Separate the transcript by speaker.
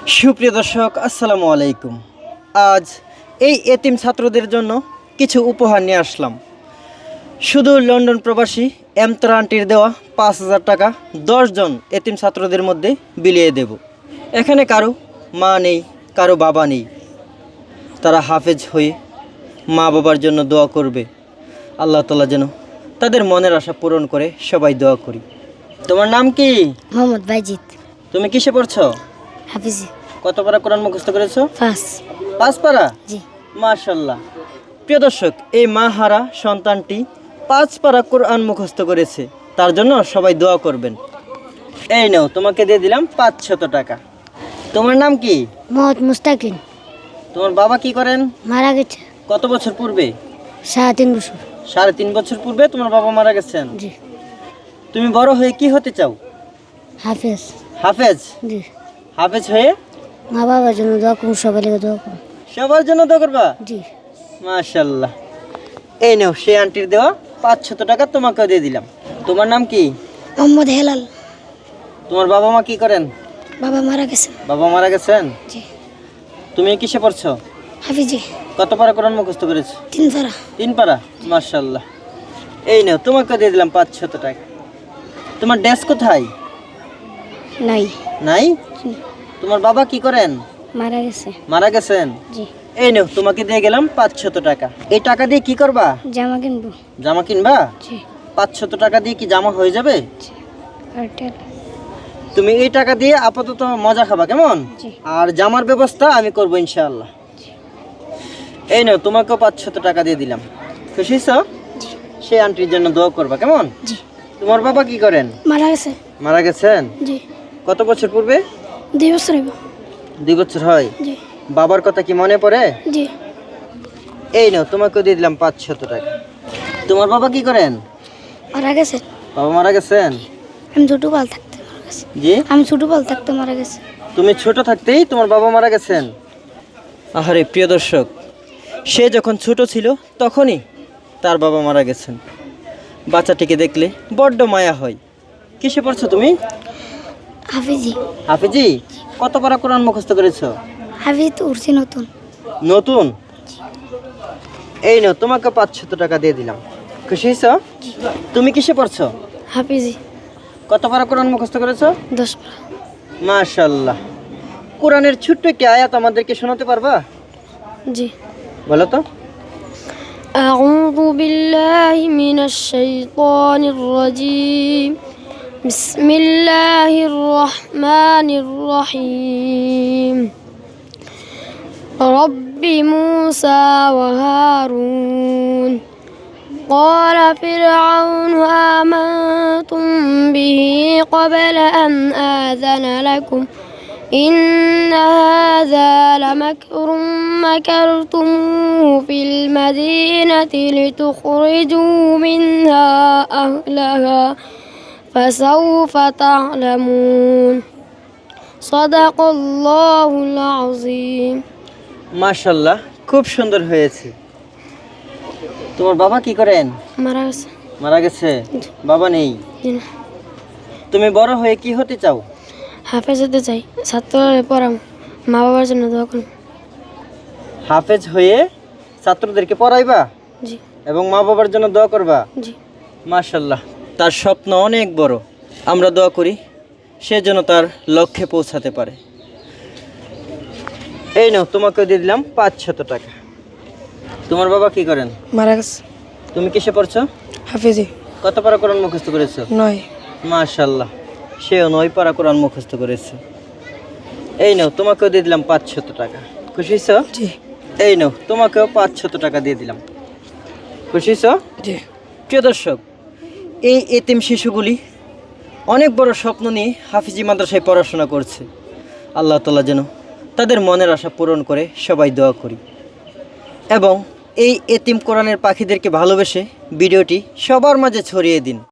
Speaker 1: সুপ্রিয় দর্শক, আসসালামু আলাইকুম। আজ এই এতিম ছাত্রদের জন্য কিছু উপহার নিয়ে আসলাম। শুধু লন্ডন প্রবাসী এমতারা আন্টির দেওয়া 5,000 টাকা 10 জন এতিম ছাত্রদের মধ্যে বিলিয়ে দেব। এখানে কারো মা নেই, কারো বাবা নেই। তারা হাফেজ হয়ে মা বাবার জন্য দোয়া করবে। আল্লাহ তাআলা যেন তাদের মনের আশা পূরণ করে, সবাই দোয়া করি। তোমার নাম কি?
Speaker 2: মোহাম্মদ বাইজিৎ।
Speaker 1: তুমি কিসে পড়ছো?
Speaker 2: হাফিজি।
Speaker 1: কত পারা কোরআন মুখস্থ করেছো?
Speaker 2: 5
Speaker 1: পারা।
Speaker 2: জি।
Speaker 1: মাশাআল্লাহ। প্রিয় দর্শক, এই মা হারা সন্তানটি 5 পারা কোরআন মুখস্থ করেছে। তার জন্য সবাই দোয়া করবেন। এই নাও, তোমাকে দিয়ে দিলাম 500 টাকা। তোমার নাম কি?
Speaker 2: মোহাম্মদ মুস্তাকিম।
Speaker 1: তোমার বাবা কি করেন?
Speaker 2: মারা গেছে
Speaker 1: কত বছর পূর্বে?
Speaker 2: 3.5 বছর।
Speaker 1: 3.5 বছর পূর্বে তোমার বাবা মারা গেছেন।
Speaker 2: জি।
Speaker 1: তুমি বড় হয়ে কি হতে চাও?
Speaker 2: হাফেজ।
Speaker 1: হাফেজ?
Speaker 2: জি।
Speaker 1: হাফেজ হয়ে
Speaker 2: মা বাবার জন্য দোয়া করুন, সবাই দোয়া করুন।
Speaker 1: সবার জন্য দোয়া করবা?
Speaker 2: জি।
Speaker 1: মাশাআল্লাহ। এই নাও, সেই আন্টির দেওয়া 500 টাকা তোমাকেও দিয়ে দিলাম। তোমার নাম কি?
Speaker 2: মোহাম্মদ হেলাল।
Speaker 1: তোমার বাবা মা কি করেন?
Speaker 2: বাবা মারা গেছে।
Speaker 1: বাবা মারা গেছেন।
Speaker 2: জি।
Speaker 1: তুমি কিসে পড়ছো?
Speaker 2: হাফিজি।
Speaker 1: কত পারা কোরআন মুখস্থ করেছো?
Speaker 2: 3 পারা।
Speaker 1: 3 পারা। মাশাআল্লাহ। এই নাও, তোমাকে দিয়ে দিলাম 500 টাকা। তোমার ড্রেস কোথায়?
Speaker 2: নাই।
Speaker 1: নাই?
Speaker 2: জি।
Speaker 1: তোমার বাবা কি করেন?
Speaker 2: মারা গেছে।
Speaker 1: মারা গেছেন।
Speaker 2: জি।
Speaker 1: এই নাও, তোমাকে দিয়ে গেলাম 500 টাকা। এই টাকা দিয়ে কি করবা?
Speaker 2: জামা কিনবো।
Speaker 1: জামা কিনবা?
Speaker 2: জি।
Speaker 1: 500 টাকা দিয়ে কি জামা হয়ে যাবে?
Speaker 2: জি। আর তেল।
Speaker 1: তুমি এই টাকা দিয়ে আপাতত মজা খাবা, কেমন?
Speaker 2: জি।
Speaker 1: আর জামার ব্যবস্থা আমি করবো ইনশাআল্লাহ। এই নাও, তোমাকেও 500 টাকা দিয়ে দিলাম। খুশি হইছো?
Speaker 2: জি।
Speaker 1: সেই আন্টির জন্য দোয়া করবা, কেমন?
Speaker 2: জি।
Speaker 1: তোমার বাবা কি করেন?
Speaker 2: মারা গেছে।
Speaker 1: মারা গেছেন।
Speaker 2: জি।
Speaker 1: কত বছর পূর্বে?
Speaker 2: 2 বছর হইব।
Speaker 1: 2 বছর হয়।
Speaker 2: জি।
Speaker 1: বাবার কথা কি মনে পড়ে?
Speaker 2: জি।
Speaker 1: এই নাও, তোমাকেও দিয়ে দিলাম 500 টাকা। তোমার বাবা কি করেন?
Speaker 2: মারা গেছে।
Speaker 1: বাবা মারা গেছেন।
Speaker 2: আমি ছোটবেলা থাকতে মারা গেছে।
Speaker 1: জি।
Speaker 2: আমি ছোটবেলা থাকতে মারা গেছে।
Speaker 1: তুমি ছোট থাকতেই তোমার বাবা মারা গেছেন। আহারে প্রিয় দর্শক, সে যখন ছোট ছিল তখনই তার বাবা মারা গেছেন। বাচ্চাটিকে দেখলে বড্ড মায়া হয়। কিসে পড়ছো তুমি?
Speaker 2: হাফিজি।
Speaker 1: হাফিজি। কত পারা কোরআন মুখস্থ করেছো?
Speaker 2: হাফিজ তো উঠছে নতুন।
Speaker 1: নতুন? এই নাও, তোমাকে 500 টাকা দিয়ে দিলাম। খুশি হইছো? তুমি কিসে পড়ছো?
Speaker 2: হাফিজি।
Speaker 1: কত পারা কোরআন মুখস্থ করেছো?
Speaker 2: 10 পারা।
Speaker 1: মাশাআল্লাহ। কোরআনের ছোট্ট একটি আয়াত আমাদেরকে শোনাতে পারবা?
Speaker 2: জি।
Speaker 1: বলো তো।
Speaker 2: أعوذ بالله من الشيطان الرجيم. بسم الله الرحمن الرحيم. رب موسى وهارون. قال فرعون آمنتم به قبل أن آذن لكم إن هذا لمكر مكرتموه في المدينة لتخرجوا منها أهلها فسوف تعلمون. صدق الله العظيم.
Speaker 1: মাশাআল্লাহ, খুব সুন্দর হয়েছে। তোমার বাবা কি করেন?
Speaker 2: মারা গেছে।
Speaker 1: মারা গেছে। বাবা নেই। তুমি বড় হয়ে কি হতে চাও?
Speaker 2: হাফেজ হতে চাই, ছাত্রদের পড়াম, মা বাবার জন্য দোয়া করুন।
Speaker 1: হাফেজ হয়ে ছাত্রদেরকে পড়াইবা?
Speaker 2: জি।
Speaker 1: এবং মা বাবার জন্য দোয়া করবা?
Speaker 2: জি।
Speaker 1: মাশাআল্লাহ, তার স্বপ্ন অনেক বড়। আমরা দোয়া করি সে যেন তার লক্ষ্যে পৌঁছাতে পারে। এই নাও, তোমাকে দিয়ে দিলাম 500 টাকা। তোমার বাবা কি করেন?
Speaker 2: মারা গেছে।
Speaker 1: তুমি কিসে পড়ছো?
Speaker 2: হাফিজি।
Speaker 1: কত পারা কোরআন মুখস্থ করেছো?
Speaker 2: 9।
Speaker 1: মাশাআল্লাহ, সেও 9 পারা কোরআন মুখস্থ করেছে। এই নাও, তোমাকেও দিয়ে দিলাম 500 টাকা। খুশি হইছো?
Speaker 2: জি।
Speaker 1: এই নাও, তোমাকেও 500 টাকা দিয়ে দিলাম। খুশি হইছো?
Speaker 2: জি।
Speaker 1: প্রিয় দর্শক, এই এতিম শিশুগুলি অনেক বড় স্বপ্ন নিয়ে হাফিজি মাদ্রাসায় পড়াশোনা করছে। আল্লাহ তাআলা যেন তাদের মনের আশা পূরণ করে, সবাই দোয়া করি। এবং এই এতিম কোরআনের পাখিদেরকে ভালোবেসে ভিডিওটি সবার মাঝে ছড়িয়ে দিন।